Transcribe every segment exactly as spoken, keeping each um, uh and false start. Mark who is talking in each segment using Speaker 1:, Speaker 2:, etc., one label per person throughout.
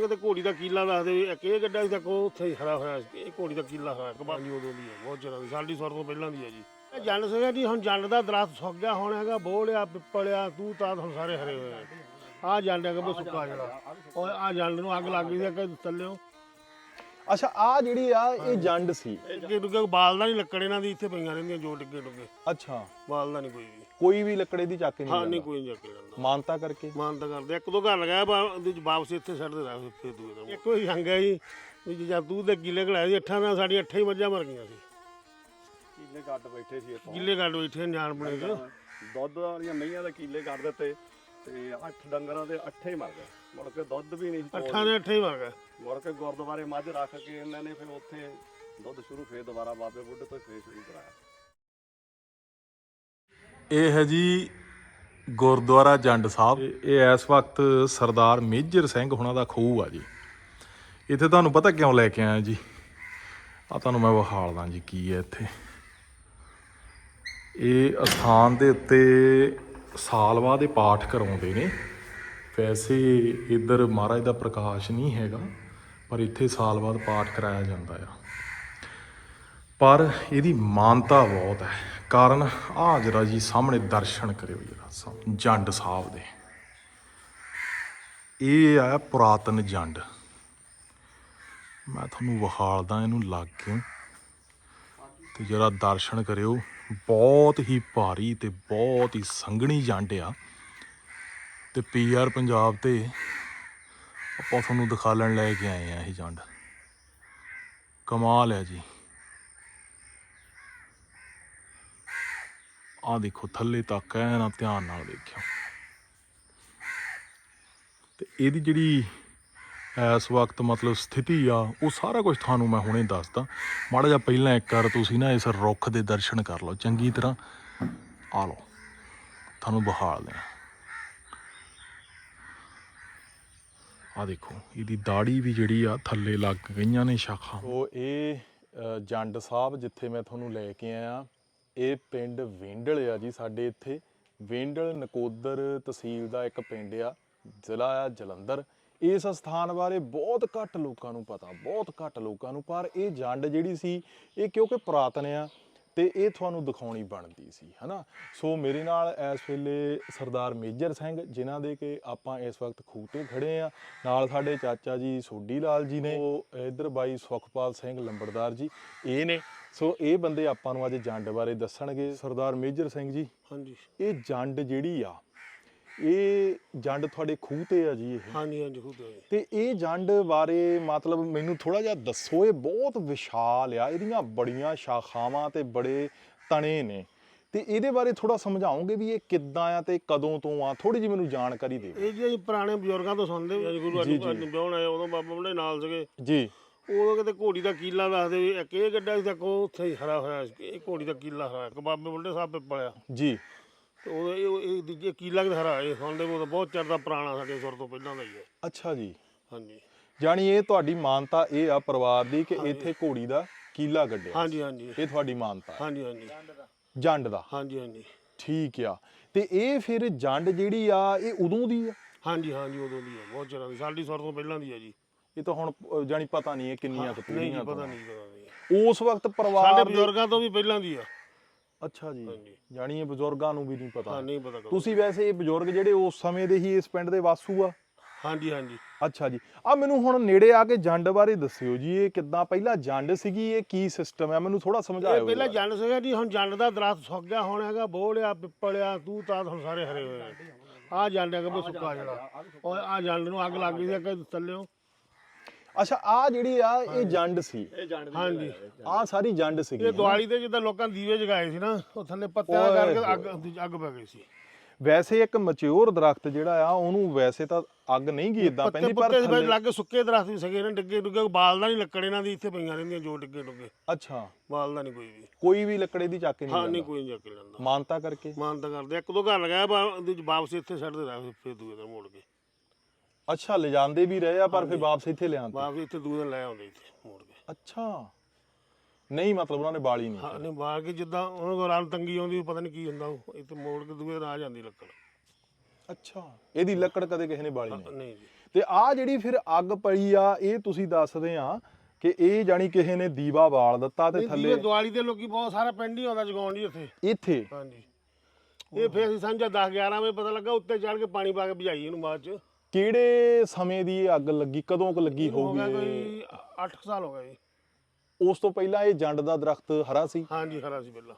Speaker 1: ਕਿਤੇ ਘੋੜੀ ਦਾ ਕੀਲਾ ਦੱਸਦੇ ਵੀ ਇੱਕ ਇਹ ਗੱਡਾ ਸੀ ਤੱਕ ਉਹ ਉੱਥੇ ਹੀ ਖੜਾ ਹੋਇਆ ਸੀ। ਇਹ ਘੋੜੀ ਦਾ ਕੀਲਾ ਹੋਇਆ ਕਬਾਲੀ ਉਦੋਂ ਦੀ ਹੈ, ਬਹੁਤ ਚਿਰਾਂ ਦੀ, ਸਾਡੀ ਸੌਰ ਤੋਂ ਪਹਿਲਾਂ ਦੀ ਹੈ ਜੀ। ਇਹ ਜੰਡ ਸੀਗਾ ਜੀ, ਹੁਣ ਜੰਡ ਦਾ ਦਰਖਤ ਸੁੱਕ ਗਿਆ, ਹੁਣ ਹੈਗਾ ਬੋਲਿਆ ਪਿੱਪਲਿਆ ਤੂੰ ਤਾਂ ਹੁਣ ਸਾਰੇ ਹਰੇ ਹੋਏ ਆ। ਆਹ ਜੰਡ ਹੈਗਾ ਬਈ ਸੁੱਕਾ ਜਿਹੜਾ, ਉਹ ਆਹ ਜੰਡ ਨੂੰ ਅੱਗ ਲੱਗ ਗਈ ਸੀ ਕਿ ਥੱਲਿਓ।
Speaker 2: ਅੱਛਾ ਆ ਜਿਹੜੀ ਆ ਇਹ ਜੰਡ ਸੀ,
Speaker 1: ਡਿੱਗੇ ਡੁੱਗੇ ਬਾਲਦਾ ਨਹੀਂ, ਲੱਕੜ ਇਹਨਾਂ ਦੀ ਇੱਥੇ ਪਈਆਂ ਰਹਿੰਦੀਆਂ ਜੋ ਡਿੱਗੇ ਡੁੱਗੇ,
Speaker 2: ਅੱਛਾ
Speaker 1: ਬਾਲਦਾ ਨਹੀਂ ਕੋਈ ਵੀ।
Speaker 2: ਕੋਈ ਵੀ ਲੱਕੜੇ ਦੀ ਚੱਕ ਨਹੀਂ
Speaker 1: ਹਾਂ
Speaker 2: ਲੈਂਦਾ?
Speaker 1: ਨਹੀਂ ਕੋਈ ਨਹੀਂ ਚੱਕ ਲੈਂਦਾ,
Speaker 2: ਮਾਨਤਾ ਕਰਕੇ
Speaker 1: ਮਾਨਤਾ ਕਰਦੇ। ਇੱਕ ਦੋ ਘਰ ਲਗਾਇਆ ਉਹਦੇ ਚ ਵਾਪਸ ਇੱਥੇ ਛੱਡਦੇ ਰਹੇ ਫੇਰ ਦੂਏ ਦਾ। ਇੱਕੋ ਹੀ ਰੰਗ ਹੈ ਜੀ ਵੀ ਜਦ ਤੂੰ ਦੇ ਕਿੱਲੇ ਘਲਾਏ ਸੀ ਅੱਠਾਂ ਨਾਲ, ਸਾਡੀ ਅੱਠਾਂ ਹੀ ਮੱਝਾਂ ਮਰ ਗਈਆਂ ਸੀ।
Speaker 3: ਕੀਲੇ ਕੱਟ ਬੈਠੇ ਸੀ ਇੱਥੋਂ,
Speaker 1: ਕਿੱਲੇ ਕੱਢ ਬੈਠੇ ਜਾਣ ਬਣੇ ਚ,
Speaker 3: ਦੁੱਧ ਵਾਲੀਆਂ ਮਈਆਂ ਦੇ ਕੀਲੇ ਕੱਢ ਦਿੱਤੇ ਤੇ ਅੱਠ ਡੰਗਰਾਂ ਦੇ ਅੱਠੇ ਹੀ ਮਰ ਗਏ। ਮੁੜ ਕੇ ਦੁੱਧ ਵੀ ਨਹੀਂ,
Speaker 1: ਅੱਠਾਂ ਦੇ ਅੱਠੇ ਹੀ ਮਰ ਗਏ।
Speaker 3: ਮੁੜ ਕੇ ਗੁਰਦੁਆਰੇ ਮੱਝ ਰੱਖ ਕੇ ਇਹਨਾਂ ਨੇ ਫਿਰ ਉੱਥੇ ਦੁੱਧ ਸ਼ੁਰੂ ਫੇਰ ਦੁਬਾਰਾ ਬਾਬੇ ਬੁੱਢੇ ਤੋਂ ਫੇਰ ਸ਼ੁਰੂ ਕਰਾਇਆ।
Speaker 2: ਇਹ ਹੈ ਜੀ ਗੁਰਦੁਆਰਾ ਜੰਡ ਸਾਹਿਬ। ਇਹ ਇਸ ਵਕਤ ਸਰਦਾਰ ਮੇਜਰ ਸਿੰਘ ਹੁਣਾਂ ਦਾ ਖੂਹ ਆ ਜੀ। ਇੱਥੇ ਤੁਹਾਨੂੰ ਪਤਾ ਕਿਉਂ ਲੈ ਕੇ ਆਇਆ ਜੀ, ਆ ਤੁਹਾਨੂੰ ਮੈਂ ਵਿਖਾਲਦਾ ਜੀ ਕੀ ਹੈ ਇੱਥੇ। ਇਹ ਅਸਥਾਨ ਦੇ ਉੱਤੇ ਸਾਲ ਬਾਅਦ ਇਹ ਪਾਠ ਕਰਾਉਂਦੇ ਨੇ। ਵੈਸੇ ਇੱਧਰ ਮਹਾਰਾਜ ਦਾ ਪ੍ਰਕਾਸ਼ ਨਹੀਂ ਹੈਗਾ, ਪਰ ਇੱਥੇ ਸਾਲ ਬਾਅਦ ਪਾਠ ਕਰਾਇਆ ਜਾਂਦਾ ਆ। ਪਰ ਇਹਦੀ ਮਾਨਤਾ ਬਹੁਤ ਹੈ, ਕਾਰਨ ਆਹ ਜਰਾ ਜੀ ਸਾਹਮਣੇ ਦਰਸ਼ਨ ਕਰਿਓ ਜਰਾ ਜੰਡ ਸਾਹਿਬ ਦੇ। ਇਹ ਆ ਪੁਰਾਤਨ ਜੰਡ, ਮੈਂ ਤੁਹਾਨੂੰ ਵਿਖਾਲਦਾ ਇਹਨੂੰ ਲੱਗ ਕੇ ਤੇ ਜਰਾ ਦਰਸ਼ਨ ਕਰਿਓ। ਬਹੁਤ ਹੀ ਭਾਰੀ ਤੇ ਬਹੁਤ ਹੀ ਸੰਘਣੀ ਜੰਡ ਆ। ਤੇ ਪੀ ਆਰ ਪੰਜਾਬ ਤੇ ਆਪਾਂ ਤੁਹਾਨੂੰ ਦਿਖਾਲਣ ਲੈ ਕੇ ਆਏ ਆ ਇਹ ਜੰਡ। ਕਮਾਲ ਹੈ ਜੀ। ਆਹ ਦੇਖੋ ਥੱਲੇ ਤੱਕ ਐ ਨਾ, ਧਿਆਨ ਨਾਲ ਦੇਖਿਓ। ਤੇ ਇਹਦੀ ਜਿਹੜੀ ਇਸ ਵਕਤ ਮਤਲਬ ਸਥਿਤੀ ਆ ਉਹ ਸਾਰਾ ਕੁਝ ਤੁਹਾਨੂੰ ਮੈਂ ਹੁਣੇ ਦੱਸਦਾ। ਮਾੜਾ ਜਿਹਾ ਪਹਿਲਾਂ ਇੱਕ ਵਾਰ ਤੁਸੀਂ ਨਾ ਇਸ ਰੁੱਖ ਦੇ ਦਰਸ਼ਨ ਕਰ ਲਓ ਚੰਗੀ ਤਰ੍ਹਾਂ। ਆ ਲਓ ਤੁਹਾਨੂੰ ਵਿਖਾਲ ਦੇਣਾ। ਆ ਦੇਖੋ ਇਹਦੀ ਦਾੜੀ ਵੀ ਜਿਹੜੀ ਆ ਥੱਲੇ ਲੱਗ ਗਈਆਂ ਨੇ ਸ਼ਾਖਾਂ। ਉਹ ਇਹ ਜੰਡ ਸਾਹਿਬ ਜਿੱਥੇ ਮੈਂ ਤੁਹਾਨੂੰ ਲੈ ਕੇ ਆਇਆ, ਇਹ ਪਿੰਡ ਵੇਂਡਲ ਆ ਜੀ। ਸਾਡੇ ਇੱਥੇ ਵੇਂਡਲ ਨਕੋਦਰ ਤਹਿਸੀਲ ਦਾ ਇੱਕ ਪਿੰਡ ਆ, ਜ਼ਿਲ੍ਹਾ ਆ ਜਲੰਧਰ। ਇਸ ਸਥਾਨ ਬਾਰੇ ਬਹੁਤ ਘੱਟ ਲੋਕਾਂ ਨੂੰ ਪਤਾ, ਬਹੁਤ ਘੱਟ ਲੋਕਾਂ ਨੂੰ। ਪਰ ਇਹ ਜੰਡ ਜਿਹੜੀ ਸੀ ਇਹ ਕਿਉਂਕਿ ਪੁਰਾਤਨ ਆ ਤੇ ਇਹ ਤੁਹਾਨੂੰ ਦਿਖਾਉਣੀ ਬਣਦੀ ਸੀ, ਹੈ ਨਾ। ਸੋ ਮੇਰੇ ਨਾਲ ਇਸ ਵੇਲੇ ਸਰਦਾਰ ਮੇਜਰ ਸਿੰਘ, ਜਿਨ੍ਹਾਂ ਦੇ ਕਿ ਆਪਾਂ ਇਸ ਵਕਤ ਖੂਹ ਤੇ ਖੜੇ ਆ। ਨਾਲ ਸਾਡੇ ਚਾਚਾ ਜੀ ਸੋਢੀ ਲਾਲ ਜੀ ਨੇ, ਉਹ ਇੱਧਰ ਬਾਈ ਸੁਖਪਾਲ ਸਿੰਘ ਲੰਬੜਦਾਰ ਜੀ ਇਹ ਨੇ। ਸੋ ਇਹ ਬੰਦੇ ਆਪਾਂ ਨੂੰ ਅੱਜ ਜੰਡ ਬਾਰੇ ਦੱਸਣਗੇ। ਸਰਦਾਰ ਮੇਜਰ ਸਿੰਘ ਜੀ,
Speaker 1: ਹਾਂਜੀ
Speaker 2: ਇਹ ਜੰਡ ਜਿਹੜੀ ਆ, ਇਹ ਜੰਡ ਤੁਹਾਡੇ ਖੂਹ ਤੇ ਆ ਜੀ ਇਹ?
Speaker 1: ਹਾਂਜੀ ਹਾਂਜੀ ਖੁਦ ਹੋਏ।
Speaker 2: ਤੇ ਇਹ ਜੰਡ ਬਾਰੇ ਮਤਲਬ ਮੈਨੂੰ ਥੋੜਾ ਜਿਹਾ ਦੱਸੋ। ਇਹ ਬਹੁਤ ਵਿਸ਼ਾਲ ਆ, ਇਹਦੀਆਂ ਬੜੀਆਂ ਸ਼ਾਖਾਵਾਂ ਤੇ ਬੜੇ ਤਣੇ ਨੇ, ਤੇ ਇਹਦੇ ਬਾਰੇ ਥੋੜਾ ਸਮਝਾਓਗੇ ਵੀ ਇਹ ਕਿੱਦਾਂ ਆ ਤੇ ਕਦੋਂ ਤੋਂ ਆ? ਥੋੜੀ ਜਿਹੀ ਮੈਨੂੰ ਜਾਣਕਾਰੀ ਦਿਓ।
Speaker 1: ਇਹ ਜੀ ਪੁਰਾਣੇ ਬਜ਼ੁਰਗਾਂ ਤੋਂ ਸੁਣਦੇ ਵੀ ਗੁਰੂ ਅਰਜਨ ਵਿਆਹਣ ਆਏ ਉਦੋਂ ਬਾਬਾ ਬੁੱਢੇ ਨਾਲ ਸੀਗੇ
Speaker 2: ਜੀ।
Speaker 1: ਉਦੋਂ ਕਿਤੇ ਘੋੜੀ ਦਾ ਕੀਲਾ ਦੱਸਦੇ ਵੀ ਇੱਕ ਇਹ ਗੱਡਾ ਸੀ ਤੱਕ ਉਹ ਉੱਥੇ ਹੀ ਖੜਾ ਹੋਇਆ ਸੀ। ਇਹ ਘੋੜੀ ਦਾ ਕੀਲਾ ਹੋਇਆ ਬਾਬੇ ਬੁੱਢੇ ਸਾਹਿਬ ਪਿੱਪਲਿਆ
Speaker 2: ਜੀ।
Speaker 1: ਤੇ ਉਹ ਇਹ ਦੂਜੇ ਕੀਲਾ ਕਿਤੇ ਹਰਾ ਇਹ ਸੁਣਦੇ ਉਹ ਬਹੁਤ ਚਿਰ ਦਾ ਪੁਰਾਣਾ, ਸਾਡੇ ਸੁਰ ਤੋਂ ਪਹਿਲਾਂ ਦਾ ਹੀ ਹੈ।
Speaker 2: ਅੱਛਾ ਜੀ।
Speaker 1: ਹਾਂਜੀ
Speaker 2: ਜਾਣੀ ਇਹ ਤੁਹਾਡੀ ਮਾਨਤਾ ਇਹ ਆ ਪਰਿਵਾਰ ਦੀ ਕਿ ਇੱਥੇ ਘੋੜੀ ਦਾ ਕੀਲਾ ਗੱਡਿਆ?
Speaker 1: ਹਾਂਜੀ ਹਾਂਜੀ
Speaker 2: ਇਹ ਤੁਹਾਡੀ ਮਾਨਤਾ?
Speaker 1: ਹਾਂਜੀ ਹਾਂਜੀ
Speaker 2: ਜੰਡ ਦਾ? ਹਾਂਜੀ
Speaker 1: ਹਾਂਜੀ
Speaker 2: ਠੀਕ ਆ। ਤੇ ਇਹ ਫਿਰ ਜੰਡ ਜਿਹੜੀ ਆ ਇਹ ਉਦੋਂ ਦੀ ਆ?
Speaker 1: ਹਾਂਜੀ ਹਾਂਜੀ ਉਦੋਂ ਦੀ ਹੈ, ਬਹੁਤ ਚਿਰਾਂ ਦੀ, ਸਾਡੀ ਸੁਰ ਤੋਂ ਪਹਿਲਾਂ ਦੀ ਹੈ ਜੀ।
Speaker 2: ਇਹ ਤਾਂ ਹੁਣ ਜਾਣੀ ਪਤਾ ਨਹੀਂ ਇਹ ਕਿੰਨੀਆਂ ਕੁ
Speaker 1: ਨਹੀਂ
Speaker 2: ਪੀੜ੍ਹੀਆਂ
Speaker 1: ਪਤਾ
Speaker 2: ਤੋਂ?
Speaker 1: ਨਹੀਂ ਪਤਾ ਨਹੀਂ
Speaker 2: ਉਸ ਵਕਤ ਪਰਿਵਾਰ
Speaker 1: ਸਾਡੇ
Speaker 2: ਦੇ-
Speaker 1: ਬਜ਼ੁਰਗਾਂ ਤੋਂ ਵੀ ਪਹਿਲਾਂ ਦੀ ਆ।
Speaker 2: ਅੱਛਾ ਜੀ। ਜਾਣੀ ਇਹ ਬਜ਼ੁਰਗਾਂ ਨੂੰ ਵੀ ਨਹੀਂ ਪਤਾ?
Speaker 1: ਹਾਂ ਨਹੀਂ ਪਤਾ ਕਦੋਂ।
Speaker 2: ਤੁਸੀਂ ਵੈਸੇ ਇਹ ਬਜ਼ੁਰਗ ਜਿਹੜੇ ਉਸ ਸਮੇਂ ਦੇ ਹੀ ਇਸ ਪਿੰਡ ਦੇ ਵਾਸੂ ਆ?
Speaker 1: ਹਾਂਜੀ ਹਾਂਜੀ
Speaker 2: ਅੱਛਾ ਜੀ। ਆ ਮੈਨੂੰ ਹੁਣ ਨੇੜੇ ਆ ਕੇ ਜੰਡ ਬਾਰੇ ਦੱਸਿਓ ਜੀ, ਇਹ ਕਿੱਦਾਂ ਪਹਿਲਾਂ ਜੰਡ ਸੀਗੀ, ਇਹ ਕੀ ਸਿਸਟਮ ਹੈ ਮੈਨੂੰ ਥੋੜਾ ਸਮਝਾਇਓ।
Speaker 1: ਇਹ ਪਹਿਲਾਂ ਜੰਡ ਸੀਗਾ ਜੀ, ਹੁਣ ਜੰਡ ਦਾ ਦਰਖਤ ਸੁੱਕ ਗਿਆ, ਹੁਣ ਹੈਗਾ ਬੋਲਿਆ ਪਿੱਪਲਿਆ ਤੂੰ ਤਾਂ ਹੁਣ ਸਾਰੇ ਹਰੇ ਹੋਏ ਆ। ਆਹ ਜੰਡ ਹੈਗਾ ਬਈ ਸੁੱਕਾ ਜਿਹੜਾ, ਉਹ ਆਹ ਜੰਡ ਨੂੰ ਅੱਗ ਲੱਗ ਗਈ ਸੀ ਕਿ ਥੱਲਿਓ।
Speaker 2: ਅੱਛਾ ਆ ਜਿਹੜੀ ਆ ਇਹ ਜੰਡ ਸੀ?
Speaker 1: ਹਾਂਜੀ
Speaker 2: ਆ ਸਾਰੀ ਜੰਡ ਸੀਗੀ?
Speaker 1: ਇਹ ਦੀਵਾਲੀ ਤੇ ਜਿੱਦਾਂ ਲੋਕਾਂ ਦੀਵੇ ਜਗਾਏ ਸੀ ਨਾ, ਉਹ ਥੱਲੇ ਪੱਤਿਆਂ ਕਰਕੇ ਅੱਗ ਅੱਗ ਪੈ ਗਈ ਸੀ।
Speaker 2: ਵੈਸੇ ਇੱਕ ਮੈਚੁਰ ਦਰਖਤ ਜਿਹੜਾ ਆ ਉਹਨੂੰ ਵੈਸੇ ਤਾਂ ਅੱਗ ਨਹੀਂ ਗਈ ਇਦਾਂ ਪੈਂਦੀ, ਪਰ
Speaker 1: ਪੱਤੇ ਲੱਗ ਸੁੱਕੇ ਦਰਖਤ ਵੀ ਸਗੇ ਨੇ, ਡਿੱਗੇ ਡੁੱਗੇ ਬਾਲਦਾ ਨਹੀਂ, ਲੱਕੜ ਇਹਨਾਂ ਦੀ ਇੱਥੇ ਪਈਆਂ ਰਹਿੰਦੀਆਂ ਜੋ ਡਿੱਗੇ ਡੁੱਗੇ।
Speaker 2: ਅੱਛਾ
Speaker 1: ਬਾਲਦਾ ਨਹੀਂ ਕੋਈ ਵੀ,
Speaker 2: ਕੋਈ ਵੀ ਲੱਕੜੇ ਦੀ ਚੱਕ ਨਹੀਂ?
Speaker 1: ਹਾਂ ਨਹੀਂ ਕੋਈ ਨਹੀਂ ਚੱਕ ਲੈਂਦਾ।
Speaker 2: ਮਾਨਤਾ ਕਰਕੇ?
Speaker 1: ਮਾਨਤਾ ਕਰਦੇ, ਇੱਕ ਦੋ ਘਰ ਲਗਾਇਆ ਵਾਪਸ ਇੱਥੇ ਛੱਡਦੇ ਰਹੇ ਫਿਰ ਦੂਏ ਦਿਨ ਮੋੜ ਕੇ।
Speaker 2: ਅੱਛਾ ਲਿਜਾਂਦੇ ਵੀ ਰਹੇ ਆ ਪਰ ਫਿਰ ਵਾਪਸ ਇੱਥੇ ਲਿਆਂਦੇ?
Speaker 1: ਵਾਪਸ ਇੱਥੇ ਦੂਏ ਦਿਨ ਲੈ ਆਉਂਦੇ ਇੱਥੇ ਮੋੜ ਕੇ।
Speaker 2: ਅੱਛਾ ਨਹੀਂ ਮਤਲਬ ਉਹਨਾਂ ਨੇ ਬਾਲੀ ਨਹੀਂ?
Speaker 1: ਹਾਂ ਨਹੀਂ ਬਾਲ ਕੇ ਜਿੱਦਾਂ ਉਹਨਾਂ ਕੋਲ ਰਾਤ ਤੰਗੀ ਆਉਂਦੀ ਪਤਾ ਨਹੀਂ ਕੀ ਹੁੰਦਾ, ਇੱਥੇ ਮੋੜ ਕੇ ਦੂਏ ਦਿਨ ਆ ਜਾਂਦੀ ਲੱਕੜ।
Speaker 2: ਅੱਛਾ ਇਹਦੀ ਲੱਕੜ ਕਦੇ ਕਿਸੇ ਨੇ ਬਾਲੀ ਨਹੀਂ?
Speaker 1: ਨਹੀਂ ਜੀ।
Speaker 2: ਤੇ ਆ ਜਿਹੜੀ ਫਿਰ ਅੱਗ ਪਈ ਆ ਇਹ ਤੁਸੀਂ ਦੱਸਦੇ ਆ ਕਿ ਇਹ ਜਾਨੀ ਕਿਸੇ ਨੇ ਦੀਵਾ ਬਾਲ ਦਿੱਤਾ ਤੇ ਥੱਲੇ
Speaker 1: ਦੀਵਾਲੀ ਦੇ ਲੋਕੀ ਬਹੁਤ ਸਾਰਾ ਪਿੰਡ ਹੀ ਆਉਂਦਾ ਜਗਾਉਣ ਜੀ ਇੱਥੇ
Speaker 2: ਇੱਥੇ
Speaker 1: ਹਾਂਜੀ ਇਹ ਫਿਰ ਅਸੀਂ ਸਾਂਝਾ ਦਸ ਗਿਆਰਾਂ ਵਜੇ ਪਤਾ ਲੱਗਾ ਉੱਤੇ ਚੜ ਕੇ ਪਾਣੀ ਪਾ ਕੇ ਬੁਝਾਈ ਇਹਨੂੰ ਬਾਅਦ ਚ।
Speaker 2: ਕਿਹੜੇ ਸਮੇਂ ਦੀ ਇਹ ਅੱਗ ਲੱਗੀ, ਕਦੋਂ ਕੁ ਲੱਗੀ
Speaker 1: ਹੋ ਗਿਆ
Speaker 2: ਹੋਊਗੀ?
Speaker 1: ਕੋਈ ਅੱਠ ਸਾਲ ਹੋ ਗਏ ਜੀ।
Speaker 2: ਉਸ ਤੋਂ ਪਹਿਲਾਂ ਇਹ ਜੰਡ ਦਾ ਦਰਖਤ ਹਰਾ ਸੀ?
Speaker 1: ਹਾਂਜੀ ਹਰਾ ਸੀ ਪਹਿਲਾਂ।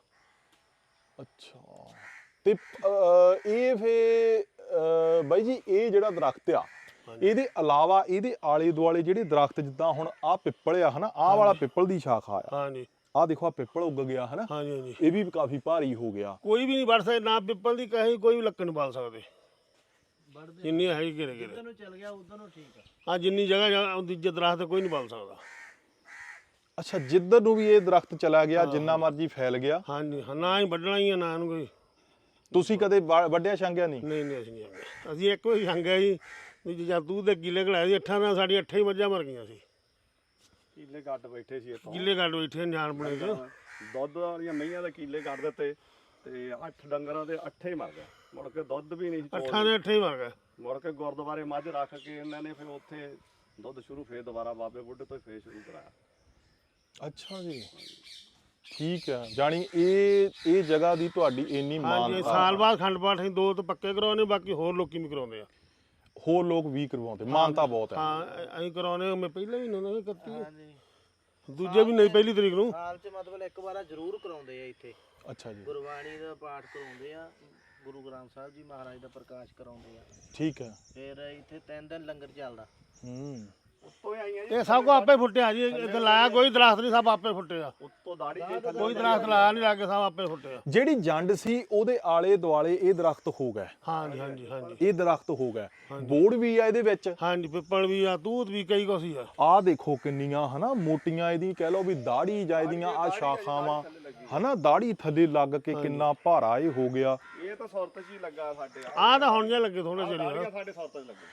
Speaker 2: ਅੱਛਾ ਤੇ ਅਹ, ਇਹ ਫੇ ਅਹ, ਬਾਈ ਜੀ ਇਹ ਜਿਹੜਾ ਦਰਖਤ ਆ ਇਹਦੇ ਇਲਾਵਾ ਇਹਦੇ ਆਲੇ ਦੁਆਲੇ ਜਿਹੜੇ ਦਰਖਤ ਜਿੱਦਾਂ ਹੁਣ ਆਹ ਪਿੱਪਲ ਆ ਹਨਾ, ਆਹ ਵਾਲਾ ਪਿੱਪਲ ਦੀ ਸ਼ਾਖਾ ਆ,
Speaker 1: ਹਾਂਜੀ
Speaker 2: ਆਹ ਦੇਖੋ ਆ ਪਿੱਪਲ ਉੱਗ ਗਿਆ ਹਨਾ,
Speaker 1: ਹਾਂਜੀ ਹਾਂਜੀ
Speaker 2: ਇਹ ਵੀ ਕਾਫੀ ਭਾਰੀ ਹੋ ਗਿਆ।
Speaker 1: ਕੋਈ ਵੀ ਨਹੀਂ ਵੜ ਸਕਦਾ ਨਾ ਪਿੱਪਲ ਦੀ ਕਹੀ ਕੋਈ ਵੀ ਲੱਕੜ ਨਹੀਂ ਬਾਲ ਸਕਦੇ ਜਿੰਨੀ ਹੈ ਘੇਰੇ ਘੇਰੇ
Speaker 4: ਨੂੰ ਚੱਲ ਗਿਆ ਉਧਰ ਨੂੰ ਠੀਕ ਆ।
Speaker 1: ਹਾਂ ਜਿੰਨੀ ਜਗ੍ਹਾ ਦੂਜੇ ਦਰਖਤ ਕੋਈ ਨਹੀਂ ਬਾਲ ਸਕਦਾ।
Speaker 2: ਅੱਛਾ ਜਿੱਧਰ ਨੂੰ ਵੀ ਇਹ ਦਰਖਤ ਚਲਾ ਗਿਆ ਜਿੰਨਾ ਮਰਜ਼ੀ ਫੈਲ ਗਿਆ?
Speaker 1: ਹਾਂਜੀ ਹਾਂ, ਨਾ ਹੀ ਵੱਢਣਾ ਹੀ ਆ ਨਾ ਇਹਨੂੰ ਕੋਈ।
Speaker 2: ਤੁਸੀਂ ਕਦੇ ਵਾ- ਵੱਢਿਆ ਛਾਂਗਿਆ ਨਹੀਂ?
Speaker 1: ਨਹੀਂ ਨਹੀਂ ਅਸੀਂ ਨਹੀਂ ਜਾਂਦੇ। ਅਸੀਂ ਇੱਕ ਵਾਰੀ ਸੰਗਿਆ ਜੀ ਵੀ ਜਦ ਤੂੰ ਦੇ ਕਿੱਲੇ ਘਲਾਏ ਸੀ ਅੱਠਾਂ ਨਾਲ ਸਾਡੀ ਅੱਠਾਂ ਹੀ ਮੱਝਾਂ ਮਰ ਗਈਆਂ ਸੀ।
Speaker 3: ਕੀਲੇ ਗੱਡ ਬੈਠੇ ਸੀ ਇੱਥੋਂ,
Speaker 1: ਕਿੱਲੇ ਕੱਢ ਬੈਠੇ ਨਿਆਣ ਬਣੇ ਚ।
Speaker 3: ਦੁੱਧ ਵਾਲੀਆਂ ਮਈਆਂ ਦੇ ਕੀਲੇ ਕੱਢ ਦਿੱਤੇ ਤੇ ਅੱਠ ਡੰਗਰਾਂ ਦੇ ਅੱਠੇ ਹੀ ਮਰ ਗਏ। ਮੁੜ ਕੇ ਦੁੱਧ ਵੀ ਨਹੀਂ ਸੀ ਚੋਣ
Speaker 1: ਅੱਠਾਂ ਦੇ ਅੱਠੇ ਹੀ ਮਰ ਗਏ।
Speaker 3: ਮੁੜ ਕੇ ਗੁਰਦੁਆਰੇ ਮੱਝ ਰੱਖ ਕੇ ਇਹਨਾਂ ਨੇ ਫਿਰ ਉੱਥੇ ਦੁੱਧ ਸ਼ੁਰੂ ਫੇਰ ਦੁਬਾਰਾ ਬਾਬੇ ਬੁੱਢੇ ਤੋਂ ਫੇਰ ਸ਼ੁਰੂ ਕਰਾਇਆ।
Speaker 2: ਅੱਛਾ ਜੀ ਠੀਕ ਹੈ, ਜਾਣੀ ਇਹ ਇਹ ਜਗ੍ਹਾ ਦੀ ਤੁਹਾਡੀ ਇੰਨੀ
Speaker 1: ਹਾਂਜੀ
Speaker 2: ਮਾਨਤਾ,
Speaker 1: ਸਾਲ ਬਾਅਦ ਖੰਡ ਪਾਠ ਅਸੀਂ ਦੋ ਤਾਂ ਪੱਕੇ ਕਰਾਉਣੇ, ਬਾਕੀ ਹੋਰ ਲੋਕੀ ਵੀ ਕਰਾਉਂਦੇ ਆ।
Speaker 2: ਹੋਰ ਲੋਕ ਵੀ ਕਰਵਾਉਂਦੇ, ਮਾਨਤਾ ਬਹੁਤ ਹੈ।
Speaker 1: ਹਾਂ ਅਸੀਂ ਕਰਾਉਣੇ, ਮੈਂ ਪਹਿਲਾਂ ਵੀ ਨਾ ਇਕੱਤੀ
Speaker 4: ਹਾਂਜੀ
Speaker 1: ਦੂਜੇ ਵੀ ਨਹੀਂ ਪਹਿਲੀ ਤਰੀਕ ਨੂੰ।
Speaker 4: ਸਾਲ ਚ ਮਤਲਬ ਇੱਕ ਵਾਰ ਜ਼ਰੂਰ ਕਰਾਉਂਦੇ ਆ ਇੱਥੇ
Speaker 2: ਅੱਛਾ ਜੀ
Speaker 4: ਗੁਰਬਾਣੀ ਦਾ ਪਾਠ ਕਰਾਉਂਦੇ ਆ, ਗੁਰੂ ਗ੍ਰੰਥ ਸਾਹਿਬ ਜੀ ਮਹਾਰਾਜ ਦਾ ਪ੍ਰਕਾਸ਼ ਕਰਾਉਂਦੇ ਆ,
Speaker 2: ਠੀਕ ਹੈ।
Speaker 4: ਫਿਰ ਇੱਥੇ ਤਿੰਨ ਦਿਨ ਲੰਗਰ ਚੱਲਦਾ।
Speaker 2: ਹੂੰ
Speaker 3: ਉੱਤੋਂ ਹੀ ਆਈਆਂ ਜੀ,
Speaker 1: ਇਹ ਸਭ ਕੋ ਆਪੇ ਫੁੱਟਿਆ ਜੀ, ਇੱਥੇ ਲਾਇਆ ਕੋਈ ਦਰਖਤ ਨਹੀਂ, ਸਭ ਆਪੇ ਫੁੱਟਿਆ।
Speaker 3: ਉੱਤੋਂ ਦਾੜੀ ਜੇ ਥੱਲੇ
Speaker 1: ਕੋਈ ਦਰਖਤ ਲਾਇਆ ਨਹੀਂ, ਲਾਗੇ ਸਭ ਆਪੇ ਫੁੱਟਿਆ।
Speaker 2: ਜਿਹੜੀ ਜੰਡ ਸੀ ਉਹਦੇ ਆਲੇ ਦੁਆਲੇ ਇਹ ਦਰਖਤ ਹੋ ਗਏ,
Speaker 1: ਹਾਂਜੀ ਹਾਂਜੀ ਹਾਂਜੀ
Speaker 2: ਇਹ ਦਰਖਤ ਹੋ ਗਏ, ਬੋੜ ਵੀ ਆ ਇਹਦੇ ਵਿੱਚ।
Speaker 1: ਹਾਂਜੀ ਪਿੱਪਲ ਵੀ ਆ, ਤੂਤ ਵੀ, ਕਈ ਕੁਛ ਹੀ ਆ।
Speaker 2: ਆਹ ਦੇਖੋ ਕਿੰਨੀਆਂ ਹਨਾ ਮੋਟੀਆਂ ਇਹਦੀ ਕਹਿ ਲਓ ਵੀ ਦਾੜੀ ਜਾਂ ਇਹਦੀਆਂ ਆ ਸ਼ਾਖਾਵਾਂ ਹਨਾ, ਦਾੜੀ ਥੱਲੇ ਲੱਗ ਕੇ ਕਿੰਨਾ ਭਾਰਾ ਇਹ ਹੋ ਗਿਆ।
Speaker 3: ਇਹ ਤਾਂ ਸੁਰਤ ਚ ਹੀ ਲੱਗਾ ਸਾਡੇ
Speaker 1: ਆਹ ਤਾਂ ਹੁਣ ਜੇ ਲੱਗੇ ਥੋੜੇ ਚਿਰ
Speaker 3: ਦਾੜੀਆਂ ਸਾਡੇ ਸੁਰਤ ਚ ਲੱਗੇ।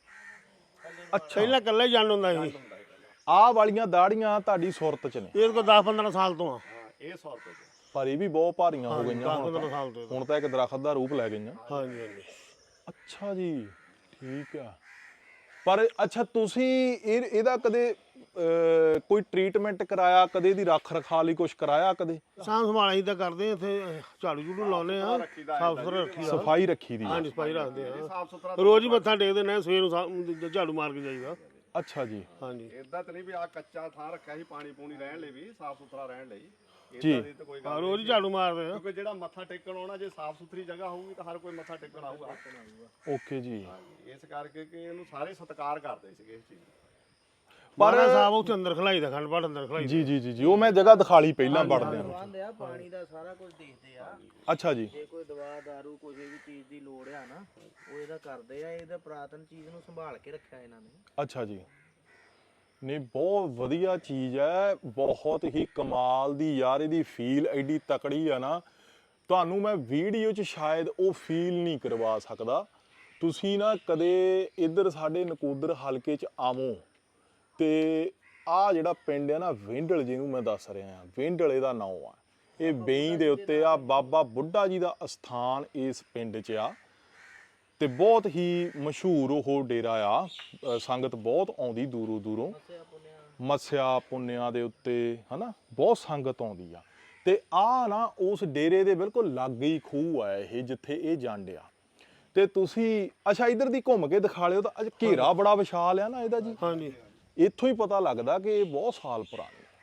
Speaker 2: ਅੱਛਾ
Speaker 1: ਪਹਿਲਾਂ ਇਕੱਲੇ ਜੰਡ ਹੁੰਦਾ ਸੀ।
Speaker 2: ਆਹ ਵਾਲੀਆਂ ਦਾੜੀਆਂ ਤੁਹਾਡੀ ਸੁਰਤ ਚ ਨੇ?
Speaker 1: ਇਹ ਕੋ ਦਸ ਪੰਦਰਾਂ ਸਾਲ ਤੋਂ ਆ।
Speaker 3: ਹਾਂ ਇਹ ਸੁਰਤ ਚ।
Speaker 2: ਪਰ ਇਹ ਵੀ ਬਹੁਤ ਭਾਰੀਆਂ ਹੋ ਗਈਆਂ
Speaker 1: ਦਸ
Speaker 2: ਹੁਣ
Speaker 1: ਪੰਦਰਾਂ
Speaker 2: ਤਾਂ,
Speaker 1: ਸਾਲ ਤੋਂ।
Speaker 2: ਹੁਣ ਤਾਂ ਇੱਕ ਦਰਖਤ ਦਾ ਰੂਪ ਲੈ ਗਈਆਂ।
Speaker 1: ਹਾਂਜੀ ਹਾਂਜੀ
Speaker 2: ਅੱਛਾ ਜੀ ਠੀਕ ਆ। ਪਰ ਅੱਛਾ ਤੁਸੀਂ ਇਹ ਇਹਦਾ ਕਦੇ ਅਹ, ਕੋਈ ਟ੍ਰੀਟਮੈਂਟ ਕਰਾਇਆ, ਕਦੇ ਇਹਦੀ ਰੱਖ ਰਖਾ ਲਈ ਕੁਝ ਕਰਾਇਆ ਕਦੇ?
Speaker 1: ਸਾਂਭ ਸੰਭਾਲ ਅਸੀਂ ਤਾਂ ਕਰਦੇ ਆ, ਇੱਥੇ ਝਾੜੂ ਝੂੜੂ ਲਾਉਨੇ ਆ, ਸਾਫ ਸੁਥਰਾ ਰੱਖੀ ਦਾ।
Speaker 2: ਸਫਾਈ ਰੱਖੀ ਦੀ ਆ।
Speaker 1: ਹਾਂਜੀ ਸਫਾਈ ਰੱਖਦੇ ਆ,
Speaker 3: ਸਾਫ ਸੁਥਰਾ
Speaker 1: ਰੋਜ਼ ਹੀ ਮੱਥਾ ਟੇਕਦੇ ਨੇ, ਸਵੇਰ ਨੂੰ ਸਾ- ਝਾੜੂ ਮਾਰ ਕੇ ਜਾਈਦਾ।
Speaker 2: ਅੱਛਾ ਜੀ
Speaker 1: ਹਾਂਜੀ
Speaker 3: ਇਦਾਂ ਤਾਂ ਨਹੀਂ ਵੀ ਆ ਕੱਚਾ ਥਾਂ ਰੱਖਿਆ ਸੀ ਪਾਣੀ ਪੂਣੀ ਰਹਿਣ ਲਈ, ਵੀ ਸਾਫ ਸੁਥਰਾ ਰਹਿਣ ਲਈ।
Speaker 2: ਜੀ।
Speaker 3: ਇਦਾਂ ਦੀ ਤਾਂ ਕੋਈ
Speaker 1: ਹਾਂ
Speaker 3: ਗੱਲ
Speaker 1: ਰੋਜ਼ ਹੀ ਝਾੜੂ ਮਾਰਦੇ ਆ।
Speaker 3: ਕਿਉਂਕਿ ਜਿਹੜਾ ਮੱਥਾ ਟੇਕਣ ਆਉਣਾ, ਜੇ ਸਾਫ ਸੁਥਰੀ ਜਗ੍ਹਾ ਹੋਊਗੀ ਤਾਂ ਹਰ ਕੋਈ ਮੱਥਾ ਟੇਕਣ ਆਊਗਾ।
Speaker 2: ਓਕੇ ਜੀ।
Speaker 3: ਇਸ ਕਰਕੇ ਕਿ ਇਹਨੂੰ ਸਾਰੇ ਸਤਿਕਾਰ ਕਰਦੇ ਸੀਗੇ ਇਸ ਚੀਜ਼ ਨੂੰ।
Speaker 1: ਪਰ ਸਾਹਿਬ ਉੱਥੇ ਅੰਦਰ ਖਲਾਈ ਦਾ, ਖੰਡ ਪਾਠ ਅੰਦਰ ਖਲਾਈ।
Speaker 2: ਜੀ ਜੀ ਜੀ ਜੀ ਉਹ ਮੈਂ ਜਗ੍ਹਾ ਦਿਖਾ ਲਈ ਪਹਿਲਾਂ ਵੜਦੇ ਆ।
Speaker 4: ਪ੍ਰਬੰਧ ਆ ਪਾਣੀ ਦਾ, ਸਾਰਾ ਕੁਝ ਦੇਖਦੇ ਆ।
Speaker 2: ਅੱਛਾ ਜੀ
Speaker 4: ਜੇ ਕੋਈ ਦਵਾ ਦਾਰੂ ਕੋਈ ਵੀ ਚੀਜ਼ ਦੀ ਲੋੜ ਆ ਨਾ, ਉਹ ਇਹਦਾ ਕਰਦੇ ਆ। ਇਹਦਾ ਪੁਰਾਤਨ ਚੀਜ਼ ਨੂੰ ਸੰਭਾਲ ਕੇ ਰੱਖਿਆ ਇਹਨਾਂ ਨੇ।
Speaker 2: ਅੱਛਾ ਜੀ ਨਹੀਂ ਬਹੁਤ ਵਧੀਆ ਚੀਜ਼ ਹੈ, ਬਹੁਤ ਹੀ ਕਮਾਲ ਦੀ ਯਾਰ, ਇਹਦੀ ਫੀਲ ਐਡੀ ਤਕੜੀ ਆ ਨਾ, ਤੁਹਾਨੂੰ ਮੈਂ ਵੀਡੀਓ 'ਚ ਸ਼ਾਇਦ ਉਹ ਫੀਲ ਨਹੀਂ ਕਰਵਾ ਸਕਦਾ। ਤੁਸੀਂ ਨਾ ਕਦੇ ਇੱਧਰ ਸਾਡੇ ਨਕੋਦਰ ਹਲਕੇ 'ਚ ਆਵੋ ਤੇ ਆਹ ਜਿਹੜਾ ਪਿੰਡ ਹੈ ਨਾ ਵਿੰਡਲ, ਜਿਹਨੂੰ ਮੈਂ ਦੱਸ ਰਿਹਾ ਹਾਂ, ਵਿੰਡਲ ਇਹਦਾ ਨਾਮ ਆ। ਇਹ ਬੇਈ ਦੇ ਉੱਤੇ ਆ, ਬਾਬਾ ਬੁੱਢਾ ਜੀ ਦਾ ਅਸਥਾਨ ਇਸ ਪਿੰਡ 'ਚ ਆ ਤੇ ਬਹੁਤ ਹੀ ਮਸ਼ਹੂਰ ਉਹ ਡੇਰਾ ਆ। ਅ, ਸੰਗਤ ਬਹੁਤ ਆਉਂਦੀ ਦੂਰੋਂ ਦੂਰੋਂ, ਮੱਸਿਆ ਪੁੰਨਿਆਂ ਦੇ ਉੱਤੇ ਹਨਾ, ਬਹੁਤ ਸੰਗਤ ਆਉਂਦੀ ਆ। ਤੇ ਆ ਨਾ ਉਸ ਡੇਰੇ ਦੇ ਬਿਲਕੁਲ ਲਾਗੇ ਹੀ ਖੂਹ ਆ ਇਹ, ਜਿੱਥੇ ਇਹ ਜੰਡ ਆ। ਤੇ ਤੁਸੀਂ ਅੱਛਾ ਇਧਰ ਦੀ ਘੁੰਮ ਕੇ ਦਿਖਾ ਲਿਓ ਤਾਂ ਅੱਜ ਘੇਰਾ ਬੜਾ ਵਿਸ਼ਾਲ ਆ ਨਾ ਇਹਦਾ ਜੀ।
Speaker 1: ਹਾਂਜੀ
Speaker 2: ਇੱਥੋਂ ਹੀ ਪਤਾ ਲੱਗਦਾ ਕਿ ਇਹ ਬਹੁਤ ਸਾਲ ਪੁਰਾਣੀ ਹੈ।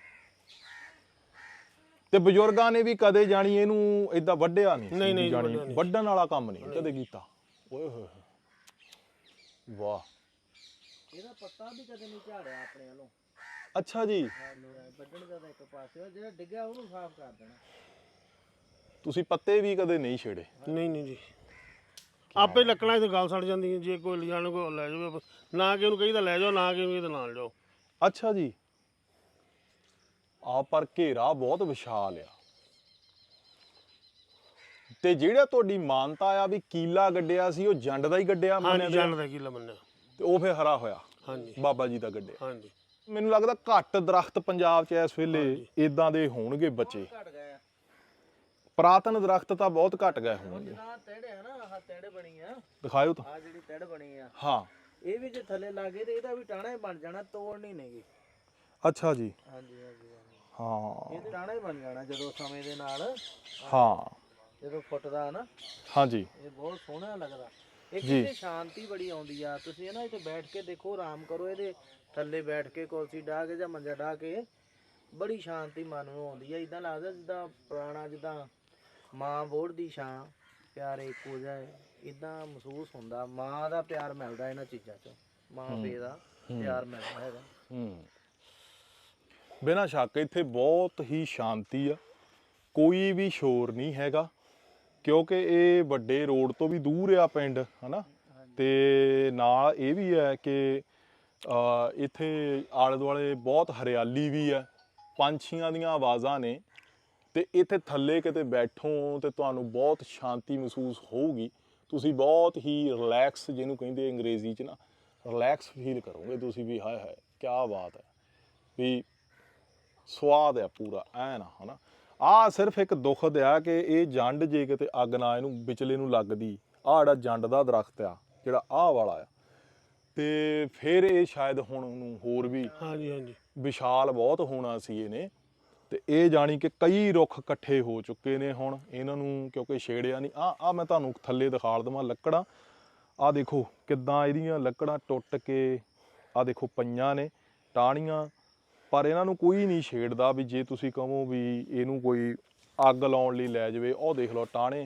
Speaker 2: ਤੇ ਬਜ਼ੁਰਗਾਂ ਨੇ ਵੀ ਕਦੇ ਜਾਣੀ ਇਹਨੂੰ ਏਦਾਂ ਵੱਢਿਆ ਨਹੀਂ,
Speaker 1: ਨਹੀਂ, ਨਹੀਂ,
Speaker 2: ਜਾਣੀ
Speaker 1: ਵੱਢਿਆ ਨਹੀਂ।
Speaker 2: ਵੱਢਣ ਵਾਲਾ ਕੰਮ ਨਹੀਂ ਕਦੇ ਕੀਤਾ। ਓਏ ਹੋਏ ਹੋਏ ਵਾਹ।
Speaker 4: ਇਹਦਾ ਪੱਤਾ ਵੀ ਕਦੇ ਨਹੀਂ ਝਾੜਿਆ ਆਪਣੇ ਵੱਲੋਂ।
Speaker 2: ਅੱਛਾ ਜੀ
Speaker 4: ਵੱਢਣ ਦਾ ਤਾਂ ਇੱਕ ਪਾਸੇ, ਜਿਹੜਾ ਡਿੱਗਿਆ ਉਹਨੂੰ ਸਾਫ਼ ਕਰ ਦੇਣਾ।
Speaker 2: ਤੁਸੀਂ ਪੱਤੇ ਵੀ ਕਦੇ ਨਹੀਂ ਛੇੜੇ?
Speaker 1: ਨਹੀਂ ਨਹੀਂ ਜੀ, ਆਪੇ ਲੱਕੜਾਂ ਤੇ ਗੱਲ ਸੜ ਜਾਂਦੀ ਹੈ। ਜੇ ਕੋਈ ਲਿਜਾਣ ਕੋ ਲੈ ਜਾਵੇ, ਨਾ ਕਿ ਉਹਨੂੰ ਕਹੀਦਾ ਲੈ ਜਾਓ, ਨਾ ਕਿ ਉਹਨੂੰ ਇਹਦੇ ਨਾਲ ਜਾਓ।
Speaker 2: ਅੱਛਾ ਜੀ ਆ ਪਰ ਘੇਰਾ ਬਹੁਤ ਵਿਸ਼ਾਲ ਆ। ਤੇ ਜਿਹੜਾ ਤੁਹਾਡੀ ਮਾਨਤਾ ਆ ਵੀ ਕੀਲਾ ਗੱਡਿਆ ਸੀ, ਉਹ ਜੰਡ ਦਾ ਹੀ ਗੱਡਿਆ ਮੰਨਿਆ
Speaker 1: ਹਾਂਜੀ
Speaker 2: ਗਿਆ?
Speaker 1: ਜੰਡ ਦਾ ਕੀਲਾ ਮੰਨਿਆ।
Speaker 2: ਤੇ ਉਹ ਫਿਰ ਹਰਾ ਹੋਇਆ
Speaker 1: ਹਾਂਜੀ
Speaker 2: ਬਾਬਾ ਜੀ ਦਾ ਗੱਡਿਆ।
Speaker 1: ਹਾਂਜੀ
Speaker 2: ਮੈਨੂੰ ਲੱਗਦਾ ਘੱਟ ਦਰਖਤ ਪੰਜਾਬ 'ਚ ਇਸ ਵੇਲੇ ਇਦਾਂ ਦੇ ਹੋਣਗੇ ਬੱਚੇ।
Speaker 4: ਘਟ ਗਏ ਆ।
Speaker 2: ਪੁਰਾਤਨ ਦਰਖਤ ਤਾਂ ਬਹੁਤ ਘਟ ਗਏ ਹੋਣਗੇ।
Speaker 4: ਨਾ ਤੇੜੇ ਆ ਨਾ, ਆਹ ਤੇੜ ਬਣੀ ਆ,
Speaker 2: ਦਿਖਾਇਓ ਤਾਂ।
Speaker 4: ਆਹ ਜਿਹੜੀ ਤੇੜ ਬਣੀ ਆ,
Speaker 2: ਹਾਂ
Speaker 4: ਇਹ ਵੀ ਜੇ ਥੱਲੇ ਲੱਗੇ ਤੇ ਇਹਦਾ ਵੀ ਟਾਣਾ ਹੀ ਬਣ ਜਾਣਾ, ਤੋੜਨੀ ਨਹੀਂਗੀ।
Speaker 2: ਅੱਛਾ ਜੀ।
Speaker 4: ਹਾਂਜੀ ਹਾਂਜੀ ਹਾਂਜੀ।
Speaker 2: ਹਾਂ
Speaker 4: ਇਹ ਟਾਣਾ ਹੀ ਬਣ ਜਾਣਾ ਜਦੋਂ ਸਮੇਂ ਦੇ ਨਾਲ,
Speaker 2: ਹਾਂ
Speaker 4: ਜਦੋਂ ਫੁੱਟਦਾ ਨਾ।
Speaker 2: ਹਾਂਜੀ
Speaker 4: ਇਹ ਬਹੁਤ ਸੋਹਣਾ ਲੱਗਦਾ। ਇੱਕ
Speaker 2: ਜੀ।
Speaker 4: ਇਹਦੇ ਸ਼ਾਂਤੀ ਬੜੀ ਆਉਂਦੀ ਆ। ਤੁਸੀਂ ਇਹ ਨਾ ਇੱਥੇ ਬੈਠ ਕੇ ਦੇਖੋ, ਆਰਾਮ ਕਰੋ ਇਹਦੇ ਥੱਲੇ ਬੈਠ ਕੇ, ਕੁਰਸੀ ਢਾਹ ਕੇ ਜਾਂ ਮੰਜਾ ਢਾਹ ਕੇ, ਬੜੀ ਸ਼ਾਂਤੀ ਮਨ ਨੂੰ ਆਉਂਦੀ ਆ। ਇਦਾਂ ਲੱਗਦਾ ਜਿੱਦਾਂ ਪੁਰਾਣਾ, ਜਿੱਦਾਂ ਮਾਂ ਬੋੜ ਦੀ ਛਾਂ, ਪਿਆਰੇ ਇੱਕੋ ਜਿਹਾ ਹੈ, ਇਦਾਂ ਮਹਿਸੂਸ ਹੁੰਦਾ। ਮਾਂ ਦਾ ਪਿਆਰ ਮਿਲਦਾ ਇਹਨਾਂ ਚੀਜ਼ਾਂ 'ਚੋਂ, ਮਾਂ ਪਿਓ ਦਾ ਪਿਆਰ ਮਿਲਦਾ ਹੈਗਾ।
Speaker 2: ਹੂੰ ਬਿਨਾਂ ਸ਼ੱਕ ਇੱਥੇ ਬਹੁਤ ਹੀ ਸ਼ਾਂਤੀ ਆ, ਕੋਈ ਵੀ ਸ਼ੋਰ ਨਹੀਂ ਹੈਗਾ, ਕਿਉਂਕਿ ਇਹ ਵੱਡੇ ਰੋਡ ਤੋਂ ਵੀ ਦੂਰ ਆ ਪਿੰਡ, ਹਨਾ। ਤੇ ਨਾਲ ਇਹ ਵੀ ਹੈ ਕਿ ਅ, ਇੱਥੇ ਆਲੇ ਦੁਆਲੇ ਬਹੁਤ ਹਰਿਆਲੀ ਵੀ ਹੈ, ਪੰਛੀਆਂ ਦੀਆਂ ਆਵਾਜ਼ਾਂ ਨੇ, ਤੇ ਇੱਥੇ ਥੱਲੇ ਕਿਤੇ ਬੈਠੋ ਤੇ ਤੁਹਾਨੂੰ ਬਹੁਤ ਸ਼ਾਂਤੀ ਮਹਿਸੂਸ ਹੋਊਗੀ। ਤੁਸੀਂ ਬਹੁਤ ਹੀ ਰਿਲੈਕਸ, ਜਿਹਨੂੰ ਕਹਿੰਦੇ ਅੰਗਰੇਜ਼ੀ 'ਚ ਨਾ, ਰਿਲੈਕਸ ਫੀਲ ਕਰੋਗੇ ਤੁਸੀਂ ਵੀ। ਹਾਏ ਹਾਏ ਕਿਆ ਬਾਤ ਹੈ, ਵੀ ਸਵਾਦ ਆ ਪੂਰਾ ਐਨ, ਹਨਾ। ਆਹ ਸਿਰਫ ਇੱਕ ਦੁੱਖ ਆ ਕਿ ਇਹ ਜੰਡ ਜੇ ਕਿਤੇ ਅੱਗ ਨਾ ਇਹਨੂੰ ਵਿਚਲੇ ਨੂੰ ਲੱਗਦੀ, ਆਹ ਜਿਹੜਾ ਜੰਡ ਦਾ ਦਰਖਤ ਆ ਜਿਹੜਾ ਆਹ ਵਾਲਾ ਆ, ਤੇ ਫਿਰ ਇਹ ਸ਼ਾਇਦ ਹੁਣ ਨੂੰ ਹੋਰ ਵੀ
Speaker 1: ਹਾਂਜੀ ਹਾਂਜੀ
Speaker 2: ਵਿਸ਼ਾਲ ਬਹੁਤ ਹੋਣਾ ਸੀ ਇਹਨੇ। ਤੇ ਇਹ ਜਾਣੀ ਕਿ ਕਈ ਰੁੱਖ ਇਕੱਠੇ ਹੋ ਚੁੱਕੇ ਨੇ ਹੁਣ, ਇਹਨਾਂ ਨੂੰ ਕਿਉਂਕਿ ਛੇੜਿਆ ਨਹੀਂ। ਆ ਆ ਮੈਂ ਤੁਹਾਨੂੰ ਥੱਲੇ ਦਿਖਾ ਦੇਵਾਂ ਲੱਕੜਾਂ, ਆਹ ਦੇਖੋ ਕਿੱਦਾਂ ਇਹਦੀਆਂ ਲੱਕੜਾਂ ਟੁੱਟ ਕੇ ਆਹ ਦੇਖੋ ਪਈਆਂ ਨੇ ਟਾਹਣੀਆਂ, ਪਰ ਇਹਨਾਂ ਨੂੰ ਕੋਈ ਨਹੀਂ ਛੇੜਦਾ। ਵੀ ਜੇ ਤੁਸੀਂ ਕਹੋ ਵੀ ਇਹਨੂੰ ਕੋਈ ਅੱਗ ਲਾਉਣ ਲਈ ਲੈ ਜਾਵੇ, ਉਹ ਦੇਖ ਲਓ ਟਾਹਣੇ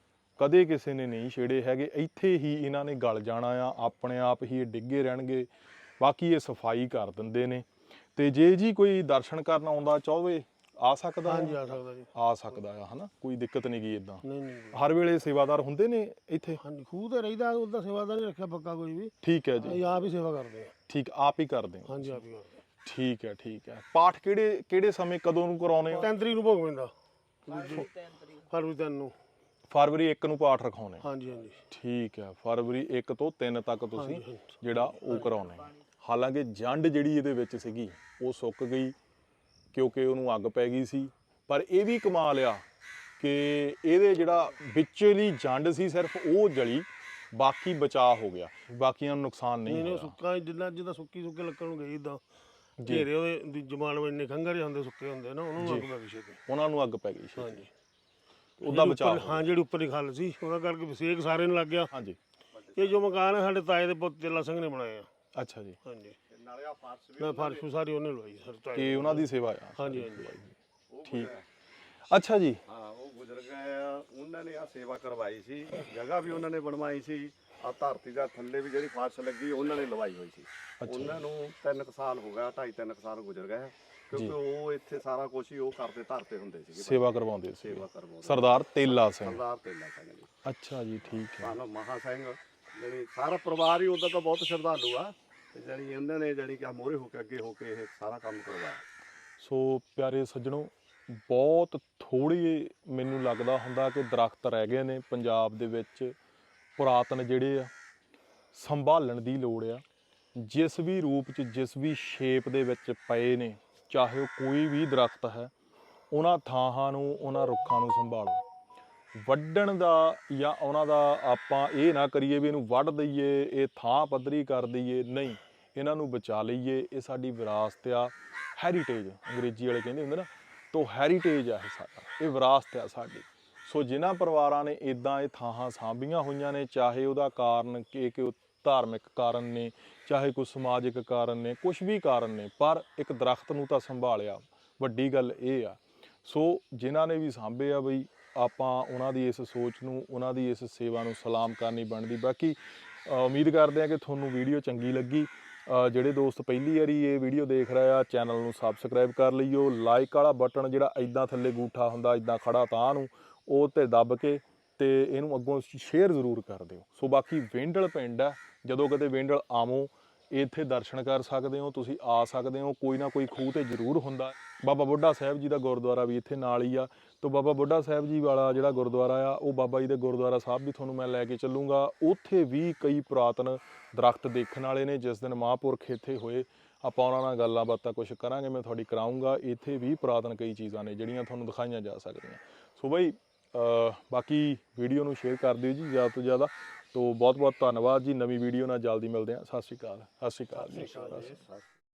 Speaker 2: ਕਦੇ ਕਿਸੇ ਨੇ ਨਹੀਂ ਛੇੜੇ ਹੈਗੇ। ਇੱਥੇ ਹੀ ਇਹਨਾਂ ਨੇ ਗਲ ਜਾਣਾ ਆ, ਆਪਣੇ ਆਪ ਹੀ ਇਹ ਡਿੱਗੇ ਰਹਿਣਗੇ। ਬਾਕੀ ਇਹ ਸਫਾਈ ਕਰ ਦਿੰਦੇ ਨੇ। ਤੇ ਜੇ ਜੀ ਕੋਈ ਦਰਸ਼ਨ ਕਰਨ ਆਉਂਦਾ ਚਾਹਵੇ ਆ ਸਕਦਾ?
Speaker 1: ਹਾਂਜੀ ਆ ਸਕਦਾ ਜੀ,
Speaker 2: ਆ ਸਕਦਾ ਆ, ਹਨਾ, ਕੋਈ ਦਿੱਕਤ ਨਹੀਂ ਗੀ ਇੱਦਾਂ।
Speaker 1: ਨਹੀਂ ਨਹੀਂ
Speaker 2: ਹਰ ਵੇਲੇ ਸੇਵਾਦਾਰ ਹੁੰਦੇ ਨੇ ਇੱਥੇ?
Speaker 1: ਹਾਂਜੀ, ਖੂਹ ਤੇ ਰਹੀਦਾ, ਉਹਦਾ ਸੇਵਾਦਾਰ ਨਹੀਂ ਰੱਖਿਆ ਪੱਕਾ ਕੋਈ ਵੀ,
Speaker 2: ਠੀਕ ਹੈ ਜੀ,
Speaker 1: ਅਸੀਂ ਆਪ ਹੀ ਸੇਵਾ ਕਰਦੇ ਆ।
Speaker 2: ਠੀਕ, ਆਪ ਹੀ ਕਰਦੇ ਹੋ?
Speaker 1: ਹਾਂਜੀ ਆਪ ਹੀ ਕਰਦੇ ਆ।
Speaker 2: ਠੀਕ ਹੈ ਠੀਕ ਹੈ। ਪਾਠ ਕਿਹੜੇ ਕਿਹੜੇ ਸਮੇਂ ਕਦੋਂ ਨੂੰ ਕਰਾਉਣੇ ਹੋ?
Speaker 1: ਤਿੰਨ ਤਰੀਕ ਨੂੰ ਭੋਗ ਪੈਂਦਾ,
Speaker 4: ਤਿੰਨ ਤਰੀਕ
Speaker 1: ਫਰਵਰੀ ਤਿੰਨ ਨੂੰ।
Speaker 2: ਫਰਵਰੀ ਇੱਕ ਨੂੰ ਪਾਠ ਰਖਾਉਣੇ?
Speaker 1: ਹਾਂਜੀ ਹਾਂਜੀ
Speaker 2: ਠੀਕ ਹੈ, ਫਰਵਰੀ ਇੱਕ ਤੋਂ ਤਿੰਨ ਤੱਕ ਤੁਸੀਂ
Speaker 1: ਹਾਂਜੀ, ਹਾਂਜੀ।
Speaker 2: ਜਿਹੜਾ ਉਹ ਕਰਾਉਣੇ। ਹਾਲਾਂਕਿ ਜੰਡ ਜਿਹੜੀ ਇਹਦੇ ਵਿੱਚ ਸੀਗੀ ਉਹ ਸੁੱਕ ਗਈ ਕਿਉਂਕਿ ਉਹਨੂੰ ਅੱਗ ਪੈ ਗਈ ਸੀ, ਪਰ ਇਹ ਵੀ ਕਮਾਲ ਆ ਕਿ ਇਹਦੇ ਜਿਹੜਾ ਵਿਚਲੀ ਜੰਡ ਸੀ ਸਿਰਫ ਉਹ ਜਲੀ, ਬਾਕੀ ਬਚਾਅ ਹੋ ਗਿਆ, ਬਾਕੀਆਂ ਨੂੰ ਨੁਕਸਾਨ ਨਹੀਂ
Speaker 1: ਨਹੀਂ ਨਹੀਂ
Speaker 2: ਹੋਇਆ।
Speaker 1: ਸੁੱਕਾ ਜਿੱਦਾਂ ਜਿੱਦਾਂ ਸੁੱਕੀ ਸੁੱਕੇ ਲੱਕੜ ਨੂੰ ਗਈ ਇਦਾਂ ਘੇਰੇ ਉਹਦੇ ਜਮਾਨ ਵਿੱਚ ਇੰਨੇ ਖੰਗਰੇ ਹੁੰਦੇ, ਸੁੱਕੇ ਹੁੰਦੇ ਨਾ, ਉਹਨਾਂ ਨੂੰ ਅੱਗ ਪੈ ਗਈ ਸੀ।
Speaker 2: ਉਹਨਾਂ ਨੂੰ ਅੱਗ ਪੈ ਗਈ ਸੀ,
Speaker 1: ਹਾਂਜੀ
Speaker 2: ਉਹਦਾ ਬਚਾਅ।
Speaker 1: ਹਾਂ ਜਿਹੜੀ ਉੱਪਰ ਦੀ ਖੱਲ ਸੀ ਉਹਦਾ ਕਰਕੇ ਵਿਸੇਕ ਸਾਰੇ ਨੂੰ ਲੱਗ ਗਿਆ।
Speaker 2: ਹਾਂਜੀ।
Speaker 1: ਇਹ ਜੋ ਮਕਾਨ ਹੈ ਸਾਡੇ ਤਾਏ ਦੇ ਪੁੱਤ ਤੇਲਾ ਸਿੰਘ ਨੇ ਬਣਾਏ ਆ।
Speaker 2: ਅੱਛਾ ਜੀ।
Speaker 1: ਹਾਂਜੀ,
Speaker 3: ਨਾਲੇ ਆ ਫਰਸ਼ ਵੀ
Speaker 1: ਮੈਂ ਫਰਸ਼ ਸਾਰੀ ਉਹਨੇ ਲਵਾਈ ਸਰ ਤਾਏ
Speaker 2: ਕਿ ਉਹਨਾਂ ਦੀ ਸੇਵਾ ਆ?
Speaker 1: ਹਾਂਜੀ ਹਾਂਜੀ
Speaker 2: ਠੀਕ, ਅੱਛਾ ਜੀ।
Speaker 3: ਹਾਂ ਉਹ ਗੁਜ਼ਰ ਗਏ ਆ, ਉਹਨਾਂ ਨੇ ਆ ਸੇਵਾ ਕਰਵਾਈ ਸੀ, ਜਗ੍ਹਾ ਵੀ ਉਹਨਾਂ ਨੇ ਬਣਵਾਈ ਸੀ। ਆ ਧਰਤੀ ਦਾ ਥੱਲੇ ਵੀ ਜਿਹੜੀ ਫਰਸ਼ ਲੱਗੀ ਉਹਨਾਂ ਨੇ ਲਵਾਈ ਹੋਈ ਸੀ। ਉਹਨਾਂ ਨੂੰ ਤਿੰਨ ਕੁ ਸਾਲ ਹੋ ਗਿਆ, ਢਾਈ ਤਿੰਨ ਕੁ ਸਾਲ ਗੁਜ਼ਰ ਗਏ, ਕਿਉਂਕਿ ਉਹ ਇੱਥੇ ਸਾਰਾ ਕੁਝ ਹੀ ਉਹ ਕਰਦੇ ਧਰਤੇ ਹੁੰਦੇ ਸੀਗੇ,
Speaker 2: ਸੇਵਾ ਕਰਵਾਉਂਦੇ ਸੀ
Speaker 3: ਸੇਵਾ ਕਰਵਾਉਂਦੇ।
Speaker 2: ਸਰਦਾਰ ਤੇਲਾ ਸਿੰਘ?
Speaker 3: ਸਰਦਾਰ ਤੇਲਾ ਸਿੰਘ ਜੀ।
Speaker 2: ਅੱਛਾ ਜੀ, ਠੀਕ ਹੈ।
Speaker 3: ਸਾਨੂੰ ਮਹਾ ਸਿੰਘ ਜਿਹੜੀ ਸਾਰਾ ਪਰਿਵਾਰ ਹੀ ਉਹਦਾ ਤਾਂ ਬਹੁਤ ਸ਼ਰਧਾਲੂ ਆ, ਤੇ ਜਿਹੜੀ ਉਹਨਾਂ ਨੇ ਜਿਹੜੀ ਕਿ ਮੋਹਰੇ ਹੋ ਕੇ ਅੱਗੇ ਹੋ ਕੇ ਇਹ ਸਾਰਾ ਕੰਮ ਕਰਵਾਇਆ।
Speaker 2: ਸੋ ਪਿਆਰੇ ਸੱਜਣੋ, ਬਹੁਤ ਥੋੜੀ ਮੈਨੂੰ ਲੱਗਦਾ ਹੁੰਦਾ ਕਿ ਦਰਖਤ ਰਹਿ ਗਏ ਨੇ ਪੰਜਾਬ ਦੇ ਵਿੱਚ ਪੁਰਾਤਨ ਜਿਹੜੇ ਆ, ਸੰਭਾਲਣ ਦੀ ਲੋੜ ਆ। ਜਿਸ ਵੀ ਰੂਪ 'ਚ, ਜਿਸ ਵੀ ਸ਼ੇਪ ਦੇ ਵਿੱਚ ਪਏ ਨੇ, ਚਾਹੇ ਉਹ ਕੋਈ ਵੀ ਦਰਖਤ ਹੈ, ਉਹਨਾਂ ਥਾਵਾਂ ਨੂੰ, ਉਹਨਾਂ ਰੁੱਖਾਂ ਨੂੰ ਸੰਭਾਲੋ। ਵੱਢਣ ਦਾ ਜਾਂ ਉਹਨਾਂ ਦਾ ਆਪਾਂ ਇਹ ਨਾ ਕਰੀਏ ਵੀ ਇਹਨੂੰ ਵੱਢ ਦਈਏ, ਇਹ ਥਾਂ ਪੱਧਰੀ ਕਰ ਦਈਏ, ਨਹੀਂ, ਇਹਨਾਂ ਨੂੰ ਬਚਾ ਲਈਏ। ਇਹ ਸਾਡੀ ਵਿਰਾਸਤ ਆ, ਹੈਰੀਟੇਜ ਅੰਗਰੇਜ਼ੀ ਵਾਲੇ ਕਹਿੰਦੇ ਹੁੰਦੇ ਨਾ, ਤੋ ਹੈਰੀਟੇਜ ਆ ਇਹ ਸਾਡਾ, ਇਹ ਵਿਰਾਸਤ ਆ ਸਾਡੀ। ਸੋ ਜਿਨ੍ਹਾਂ ਪਰਿਵਾਰਾਂ ਨੇ ਇੱਦਾਂ ਇਹ ਥਾਵਾਂ ਸਾਂਭੀਆਂ ਹੋਈਆਂ ਨੇ, ਚਾਹੇ ਉਹਦਾ ਕਾਰਨ ਕਿ ਕਿ ਉਹ ਧਾਰਮਿਕ ਕਾਰਨ ਨੇ, ਚਾਹੇ ਕੋਈ ਸਮਾਜਿਕ ਕਾਰਨ ਨੇ, ਕੁਛ ਵੀ ਕਾਰਨ ਨੇ, ਪਰ ਇੱਕ ਦਰਖਤ ਨੂੰ ਤਾਂ ਸੰਭਾਲਿਆ, ਵੱਡੀ ਗੱਲ ਇਹ ਆ। ਸੋ ਜਿਨ੍ਹਾਂ ਨੇ ਵੀ ਸਾਂਭੇ ਆ ਬਈ, ਆਪਾਂ ਉਹਨਾਂ ਦੀ ਇਸ ਸੋਚ ਨੂੰ, ਉਹਨਾਂ ਦੀ ਇਸ ਸੇਵਾ ਨੂੰ ਸਲਾਮ ਕਰਨੀ ਬਣਦੀ। ਬਾਕੀ ਉਮੀਦ ਕਰਦੇ ਹਾਂ ਕਿ ਤੁਹਾਨੂੰ ਵੀਡੀਓ ਚੰਗੀ ਲੱਗੀ। ਜਿਹੜੇ ਦੋਸਤ ਪਹਿਲੀ ਵਾਰੀ ਇਹ ਵੀਡੀਓ ਦੇਖ ਰਹੇ ਆ, ਚੈਨਲ ਨੂੰ ਸਬਸਕ੍ਰਾਈਬ ਕਰ ਲਈਓ। ਲਾਈਕ ਵਾਲਾ ਬਟਨ ਜਿਹੜਾ ਇੱਦਾਂ ਥੱਲੇ ਗੂਠਾ ਹੁੰਦਾ ਇੱਦਾਂ ਖੜਾ ਤਾਂ ਨੂੰ, ਉਹ 'ਤੇ ਦੱਬ ਕੇ ਤੇ ਇਹਨੂੰ ਅੱਗੋਂ ਸ਼ੇਅਰ ਜ਼ਰੂਰ ਕਰ ਦਿਓ। ਸੋ ਬਾਕੀ ਵੇਂਡਲ ਪਿੰਡ ਹੈ, ਜਦੋਂ ਕਦੇ ਵੇਂਡਲ ਆਵੋ ਇੱਥੇ ਦਰਸ਼ਨ ਕਰ ਸਕਦੇ ਹੋ, ਤੁਸੀਂ ਆ ਸਕਦੇ ਹੋ। ਕੋਈ ਨਾ ਕੋਈ ਖੂਹ ਤੇ ਜ਼ਰੂਰ ਹੁੰਦਾ। ਬਾਬਾ ਬੁੱਢਾ ਸਾਹਿਬ ਜੀ ਦਾ ਗੁਰਦੁਆਰਾ ਵੀ ਇੱਥੇ ਨਾਲ ਹੀ ਆ। ਤੋ ਬਾਬਾ ਬੁੱਢਾ ਸਾਹਿਬ ਜੀ ਵਾਲਾ ਜਿਹੜਾ ਗੁਰਦੁਆਰਾ ਆ, ਉਹ ਬਾਬਾ ਜੀ ਦੇ ਗੁਰਦੁਆਰਾ ਸਾਹਿਬ ਵੀ ਤੁਹਾਨੂੰ ਮੈਂ ਲੈ ਕੇ ਚੱਲੂੰਗਾ। ਉੱਥੇ ਵੀ ਕਈ ਪੁਰਾਤਨ ਦਰਖਤ ਦੇਖਣ ਵਾਲੇ ਨੇ। ਜਿਸ ਦਿਨ ਮਹਾਂਪੁਰਖ ਇੱਥੇ ਹੋਏ, ਆਪਾਂ ਉਹਨਾਂ ਨਾਲ ਗੱਲਾਂ ਬਾਤਾਂ ਕੁਛ ਕਰਾਂਗੇ, ਮੈਂ ਤੁਹਾਡੀ ਕਰਾਊਂਗਾ। ਇੱਥੇ ਵੀ ਪੁਰਾਤਨ ਕਈ ਚੀਜ਼ਾਂ ਨੇ ਜਿਹੜੀਆਂ ਤੁਹਾਨੂੰ ਦਿਖਾਈਆਂ ਜਾ ਸਕਦੀਆਂ। ਸੋ ਬਈ ਬਾਕੀ ਵੀਡੀਓ ਨੂੰ ਸ਼ੇਅਰ ਕਰ ਦਿਓ ਜੀ ਜ਼ਿਆਦਾ ਤੋਂ ਜ਼ਿਆਦਾ। ਤੋ ਬਹੁਤ ਬਹੁਤ ਧੰਨਵਾਦ ਜੀ। ਨਵੀਂ ਵੀਡੀਓ ਨਾਲ ਜਲਦੀ ਮਿਲਦੇ ਹਾਂ। ਸਤਿ ਸ਼੍ਰੀ ਅਕਾਲ। ਸਤਿ ਸ਼੍ਰੀ ਅਕਾਲ ਜੀ।
Speaker 3: ਸਤਿ ਸ਼੍ਰੀ ਅਕਾਲ ਜੀ।